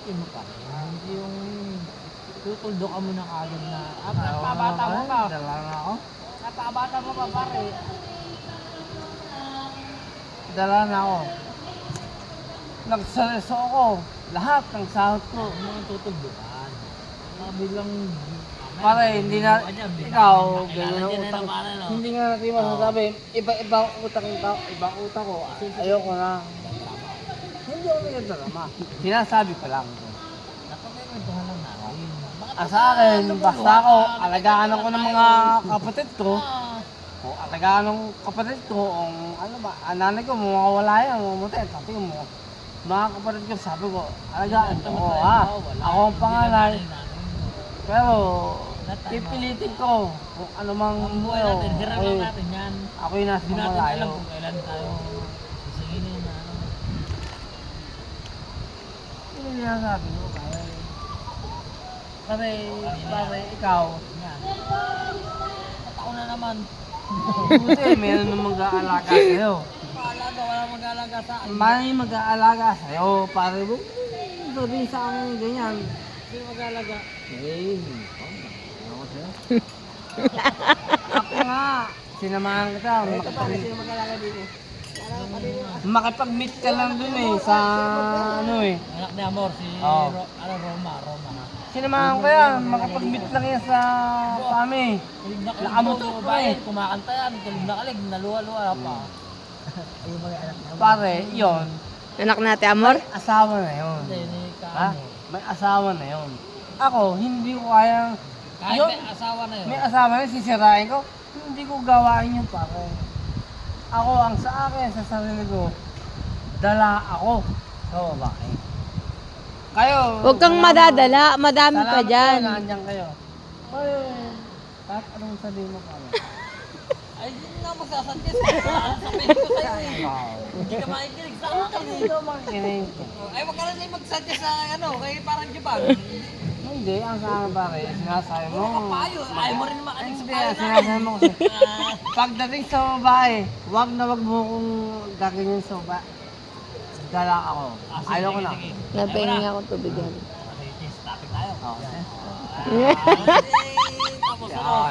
pilitin mo pa rin. Hindi yung tutuldo ka mo na kagad na, napabata mo pa. Dala na ako. Napabata mo pa pare. Dala na ako. Nagsareso ako. Lahat ng sahod ko. Huwag mo nang tutuldukan. Bilang Pare, hindi na, ikaw, gano'n ang utang. Hindi nga natin masasabi. Iba-ibang utang ko. Ayoko na. Hindi ako nagtatrama. Sinasabi ko lang. napagkwentuhan lang natin. Sa akin, basta ako, alagaan ako ng mga kapatid ko. O alagaan ng kapatid ko, ano ba, nanay ko, mawawala yan, mamatay. Sabi mo, mga kapatid ko, sabi ko, alagaan ko, ha? Ako ang panganay. Pero, pipilitin ko kung ano mang Ang buhay natin, hirapan natin yan. Ako yung nasa Hindi natin alam malayo. kung kailan tayo sisinginin na ano. Yun yung sinasabi ko, pare, ikaw. Yan. Patao na naman. Buti, meron nang mag-aalaga sa'yo. Paalaga, wala mag-aalaga sa akin. May mag-aalaga sa'yo, pare mo. Sabihin sa akin ganyan. Sino mag-aalaga? Eh, ako sa'yo. Ako nga, sinamahan kita. Sino mag-aalaga dito? Makipag-meet ka lang dun eh, sa ano eh. Anak ni Amor, si Oo. Roma. Sinamahan ko yan, makipag-meet lang yan sa kami. Kulig na Nakamotor ko eh. kumakanta yan, kulig na kalig, naluwa-luwa pa. Ayun mga anak ni Amor. Pare, yun, Anak natin, Amor? asawa na yun. Hindi, ni Ha? Kaano. May asawa na yun. Ako, hindi ko kayang, Kahit yun, may asawa na yun. may asawa na yun, sisirain ko, hindi ko gawain yun pare. Ako, ang sa akin, sa sarili ko, dala ako sa babae. Kayo, Huwag kang madadala, madami pa salamat dyan. po, nandiyan kayo. Ay, kahit anong sabihin mo pare. Ay, hindi na magsasadya sabihin ko sa'yo eh. Hindi ka makikinig sa akin eh. Hindi ko makikinig. Ay, wag ka na din magsadya sa ano, kay parang Japan. Hindi, ang sa akin pare, sinasabi mo. Puro ka payo, ayaw mo rin makinig sa Hindi, payo namin. sinasabi mo kasi. Pagdating sa babae, wag na wag mo kong gaganyan sa babae. Dala ako. Ayaw ko na. Napahinga akong tubigan. Topic tayo. Okay. Ah,